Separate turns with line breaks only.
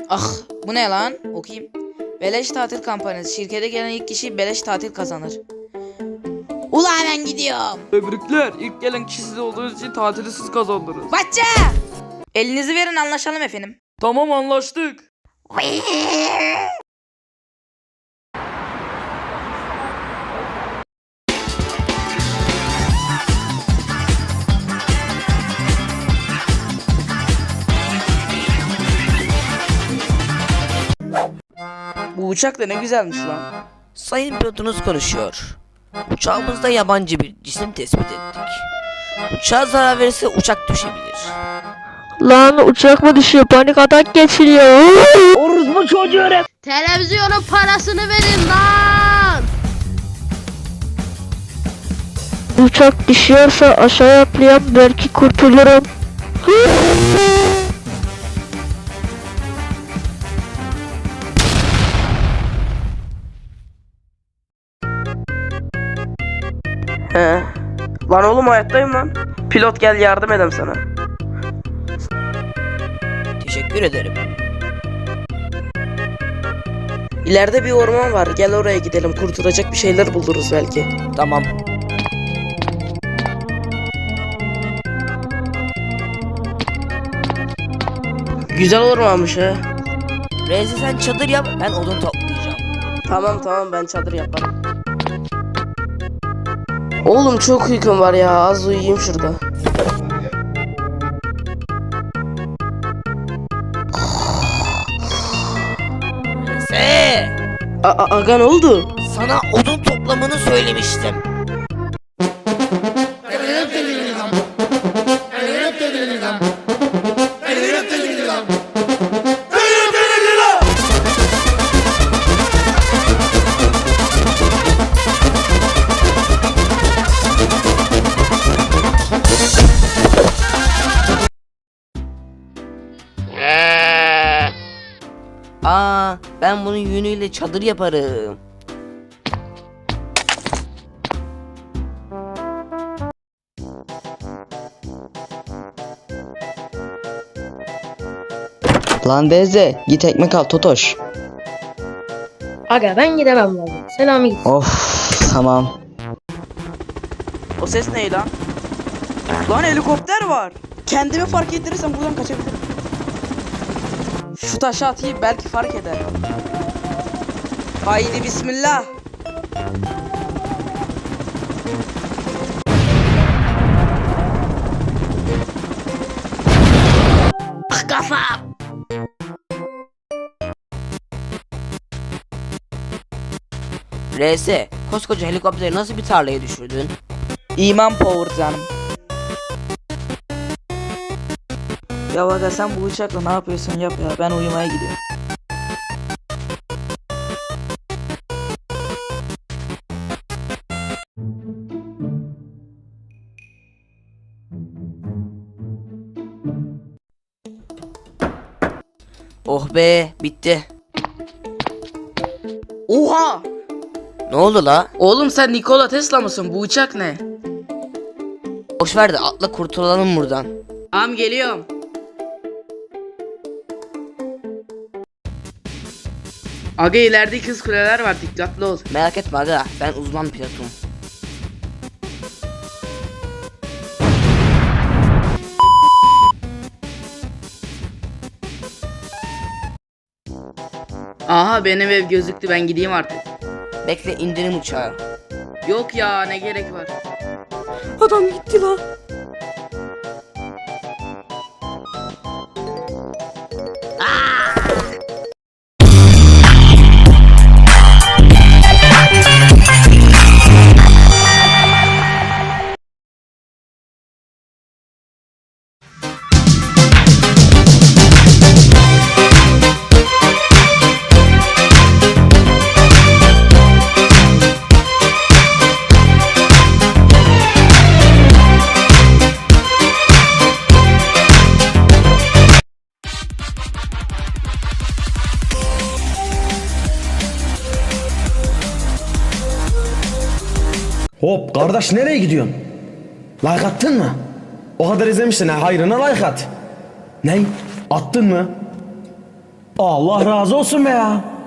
Ah, bu ne lan? Okuyayım. Beleş tatil kampanyası. Şirkete gelen ilk kişi beleş tatil kazanır. Ula ben gidiyorum.
Tebrikler. İlk gelen kişi siz olduğunuz için tatili siz kazandınız.
Batça! Elinizi verin, anlaşalım efendim.
Tamam, anlaştık.
Bu uçak da ne güzelmiş lan.
Sayın pilotunuz konuşuyor. Uçağımızda yabancı bir cisim tespit ettik. Uçağa zarar verirse uçak düşebilir.
Lan uçak mı düşüyor? Panik atak geçiriyor.
Televizyonun parasını verin lan.
Uçak düşüyorsa aşağıya atlayan belki kurtulurum.
He. Lan oğlum, hayattayım lan. Pilot, gel yardım edem sana.
Teşekkür ederim.
İleride bir orman var. Gel oraya gidelim. Kurtulacak bir şeyler buluruz belki.
Tamam.
Güzel ormanmış ha.
Rezi sen çadır yap, ben odun toplayacağım.
Tamam, ben çadır yaparım. Oğlum çok uykum var ya. Az uyuyayım şurada.
Rezi!
Aga ne oldu?
Sana odun toplamanı söylemiştim. Ben bunun yünüyle çadır yaparım.
Lan Beze, git ekmek al Totoş.
Aga ben gidemem lazım. Selamı git.
Of, tamam.
O ses ne lan? Lan helikopter var. Kendimi fark ettirirsem buradan kaçabilirim. Şu taşı atayım, belki fark eder. Haydi bismillah. Ah, kafam.
RS, koskoca helikopteri nasıl bir tarlaya düşürdün?
İman power canım. Ya aga sen bu uçakla ne yapıyorsun yap ya, ben uyumaya gidiyorum.
Oh be, bitti.
Oha!
Ne oldu la?
Oğlum sen Nikola Tesla mısın? Bu uçak ne?
Boş ver de atla kurtulalım buradan.
Am geliyorum. Aga ileride ikiz kuleler var, dikkatli ol.
Merak etme aga, ben uzman pilotum.
Aha benim ev gözüktü, ben gideyim artık.
Bekle, indirim uçağı.
Yok ya, ne gerek var.
Adam gitti la.
Hop kardeş, nereye gidiyorsun? Like attın mı? O kadar izlemişsin ha, hayrına like at. Ney? Attın mı? Allah razı olsun be ya.